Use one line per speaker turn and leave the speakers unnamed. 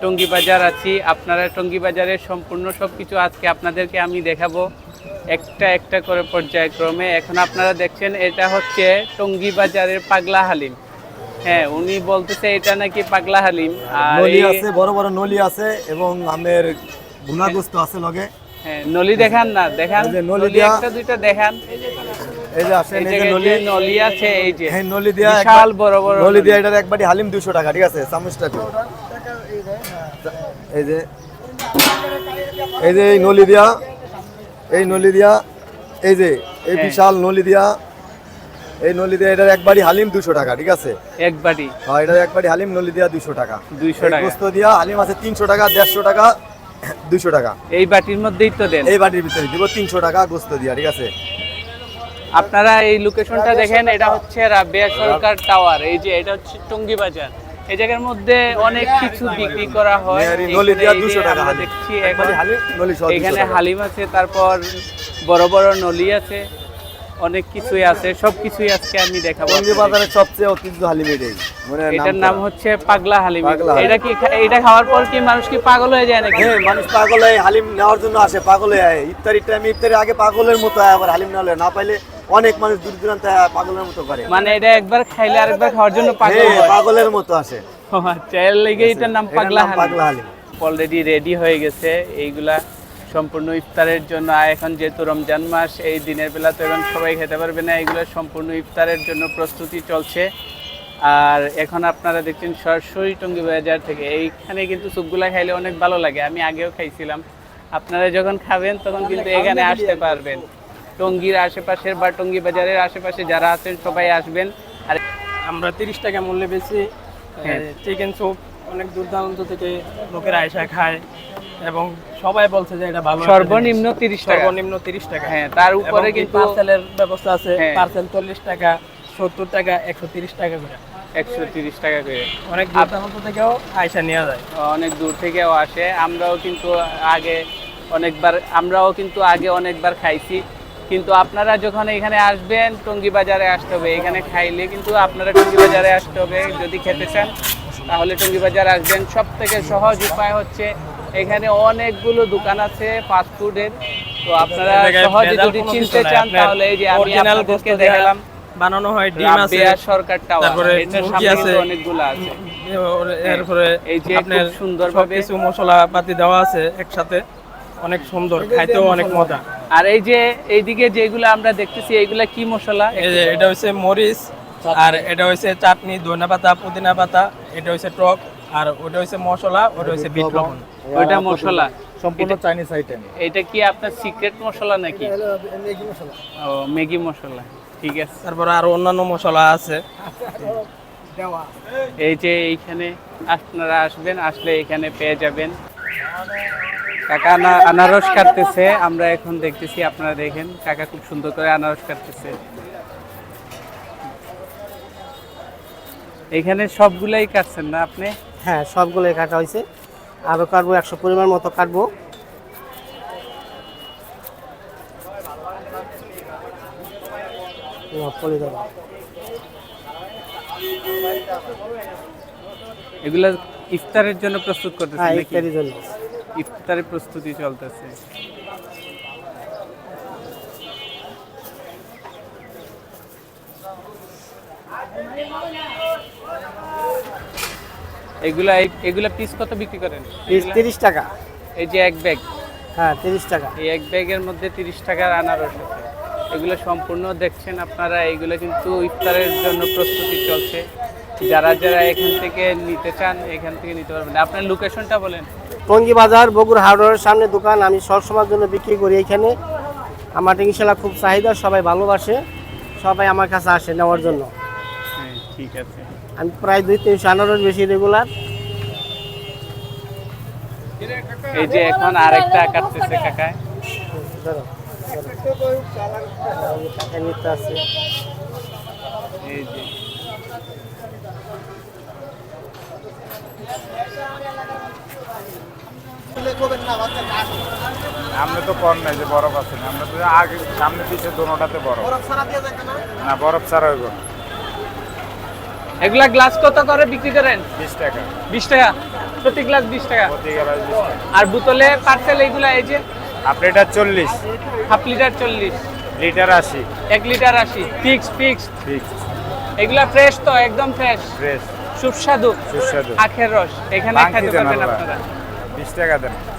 টঙ্গী বাজার আছি। আপনারা টঙ্গী বাজারের সম্পূর্ণ সবকিছু আজকে আপনাদেরকে আমি দেখাবো একটা একটা করে পর্যায়ক্রমে। এখন আপনারা দেখছেন এটা হচ্ছে টঙ্গী বাজারের পাগলা হালিম। হ্যাঁ, উনি বলতেছে এটা নাকি পাগলা হালিম। আর
নলি আছে, বড় বড় নলি আছে এবং আমের ভুনাগোস্ত আছে লগে।
হ্যাঁ, নলি দেখান না, দেখান নলি একটা দুইটা দেখান।
এই যে আসেন, এই যে
নলি আছে, এই যে
হ্যাঁ নলি দিয়া
বিশাল বড় বড়
নলি দিয়া এটার একবারই হালিম 200 টাকা, ঠিক আছে? চামচটা দিন। এই যে এই নলি দিয়া, এই নলি দিয়া, এই যে এই বিশাল নলি দিয়া, এই নলি দিয়া এটার একবারই হালিম 200 টাকা, ঠিক আছে?
একবারই।
হ্যাঁ, এটার একবারই হালিম নলি দিয়া 200 টাকা।
200 টাকা।
গোস্ত দিয়া হালিম আছে 300 টাকা, 150 টাকা, 200 টাকা।
এই বাটির মধ্যেই তো দেন।
এই বাটির ভিতরে দিব 300 টাকা গোস্ত দিয়া, ঠিক আছে?
আপনারা এই লোকেশনটা দেখেন, এটা হচ্ছে রাবেয়া সরকার টাওয়ার। এই যে এটা হচ্ছে টঙ্গী বাজার। এই জায়গার মধ্যে অনেক কিছু বিক্রি করা হয়।
নলি দিয়া 200 টাকা
আমরা
হালিম।
দেখছি
একবারই হালিম নলি সহ 200
এখানে
টাকা।
হালিম আছে, তারপর বড় বড় নলি আছে, অনেক কিছুই আছে। সবকিছুই আজকে আমি দেখাবো।
টঙ্গী বাজারের সবচেয়ে ঐতিহ্য হালিম এটাই। মানে
এটার নাম হচ্ছে পাগলা হালিম।
পাগলা হালিম।
এটা কি এটা খাওয়ার পর কি মানুষ কি পাগল হয়ে যায় নাকি?
হ্যাঁ, মানুষ পাগল হয় হালিম নেওয়ার জন্য আসে, পাগল হয়ে আয়। ইফতারির টাইমে ইফতারের আগে পাগলের মতো আয়, আবার হালিম না পাইলে অনেক মানুষ দূর দূরান্তে পাগলের মতো করে।
মানে এটা একবার খাইলে আরেকবার খাওয়ার জন্য পাগল
হ্যাঁ,
হয়।
পাগলের মতো আসে।
ও আচ্ছা, এর লেগে এটার নাম পাগলা
পাগলা
হালিম।
হালিম।
অলরেডি রেডি হয়ে গেছে এইগুলা সম্পূর্ণ ইফতারের জন্য। আর এখন যেহেতু রমজান মাস, এই দিনের বেলা তো এখন সবাই খেতে পারবে না, এইগুলো সম্পূর্ণ ইফতারের জন্য প্রস্তুতি চলছে। আর এখন আপনারা দেখছেন সরাসরি টঙ্গী বাজার থেকে। এইখানে কিন্তু স্যুপগুলা খাইলে অনেক ভালো লাগে, আমি আগেও খাইছিলাম। আপনারা যখন খাবেন তখন কিন্তু এখানে আসতে পারবেন। টঙ্গীর আশেপাশের বা টঙ্গী বাজারের আশেপাশে যারা আছেন সবাই আসবেন। আর
আমরা 30 টাকা মূল্যে বেশি চিকেন স্যুপ, অনেক দূর দূরান্ত থেকে লোকেরা এসে খায় এবং সবাই বলছে যে এটা ভালো।
সর্বনিম্ন 30 টাকা।
সর্বনিম্ন 30 টাকা।
হ্যাঁ, তার উপরে কিন্তু
পার্সেলের ব্যবস্থা আছে।
হ্যাঁ।
পার্সেল 40 টাকা, 70 টাকা, 130 টাকা করে।
130 টাকা করে।
অনেক দূর দূরান্ত থেকেও আয়সা নেওয়া যায়।
অনেক দূর থেকেও আসে। আমরাও কিন্তু আগে অনেকবার খাইছি। কিন্তু আপনারা যখন এখানে আসবেন টঙ্গী বাজারে আসতে হবে। এখানে খাইলে কিন্তু আপনারা টঙ্গী বাজারে আসতে হবে যদি খেতে চান, তাহলে টঙ্গী বাজার আসবেন। সব থেকে সহজ উপায় হচ্ছে এখানে অনেকগুলো দোকান আছে ফাস্টফুডের। তো আপনারা সহজে যদি চিনতে চান তাহলে এই যে আমি আপনাদেরকে দেখালাম
বানানো হয়, ডিম আছে,
রাবেয়া সরকার টাওয়ার,
তারপরে
এটার
মুরগি
সামনে
আছে,
কিন্তু অনেকগুলো আছে।
এরপরে
এই যে
আপনার
খুব সুন্দরভাবে
কিছু মশলা পাতি দেওয়া আছে একসাথে, অনেক সুন্দর, খাইতেও অনেক মজা।
আর এই যে এইদিকে যেগুলো আমরা দেখতেছি এইগুলা কি মশলা?
এই যে এটা হচ্ছে মরিচ, আর এটা হচ্ছে চাটনি, ধনিয়া পাতা, পুদিনা পাতা, এটা হচ্ছে টক, আর ওটা হচ্ছে মশলা, ওটা হচ্ছে বিট লবণ।
ওইটা মশলা
সম্পূর্ণ চাইনিজ আইটেম।
এটা কি আপনার সিক্রেট মশলা নাকি?
ম্যাগি মশলা।
ও, ম্যাগি মশলা, ঠিক আছে।
তারপরে আরো অন্যান্য মশলা আছে।
এই যে এইখানে আপনারা আসবেন, আসলে এখানে পেয়ে যাবেন। কাকা আনারস কাটতেছে, আমরা এখন দেখতেছি। আপনারা দেখেন কাকা খুব সুন্দর করে আনারস কাটতেছে। এখানে সবগুলাই কাটছেন না আপনি?
হ্যাঁ, সবগুলোই কাটা হয়েছে। আরও কাটবো, 100 পরিমাণ মতো কাটবো।
এগুলা ইফতারের জন্য প্রস্তুত করতেছেন
হ্যাঁ,
নাকি?
ইফতারির জন্য।
ইফতারের প্রস্তুতি চলতেছে। এগুলা পিস কত বিক্রি করেন?
পিস 30 টাকা।
এই যে এক ব্যাগ,
হ্যাঁ 30 টাকা।
এই এক ব্যাগের মধ্যে 30 টাকার আনারস আছে। এগুলো সম্পূর্ণ দেখছেন আপনারা, এগুলো কিন্তু ইফতারের জন্য প্রস্তুতি চলছে। যারা এখান থেকে নিতে চান এখান থেকে নিতে পারবেন। আপনার লোকেশনটা বলেন।
টঙ্গী বাজার, বগুড়া হাওড়ার সামনে দোকান। আমি সবসময়ের জন্য বিক্রি করি এখানে। আমার ইনশাআল্লাহ খুব চাহিদা, সবাই ভালোবাসে, সবাই আমার কাছে আসে নেওয়ার জন্য।
হ্যাঁ, ঠিক আছে।
আমি প্রায় 200-300 আনারস বেশি রেগুলার।
এই যে এখন আরেকটা কাটতেছে কাকায়।
নিতে আছে
এই যে
আমরা তো কম নাই যে বরফ আছে না, আমরা তো আগে সামনে পিছে দোনোটাতে বরফ না, বরফ ছাড়া হইব না।
এগুলা গ্লাস কত করে বিক্রি করেন?
20 টাকা।
20 টাকা। প্রতি গ্লাস 20 টাকা।
প্রতি গ্লাস 20 টাকা।
আর বোতলে পার্সেল এইগুলা এই যে
half litre 40,
half litre 40,
litre 80,
1 litre 80 fix.
Fix
এগুলা ফ্রেশ তো, একদম ফ্রেশ,
ফ্রেশ
সুস্বাদু
সুস্বাদু।
আখের রস এখানে
ভাঙতি
খেতে
দেন
পারবেন
আল্লাহ।
আপনারা।
20 টাকা দেন।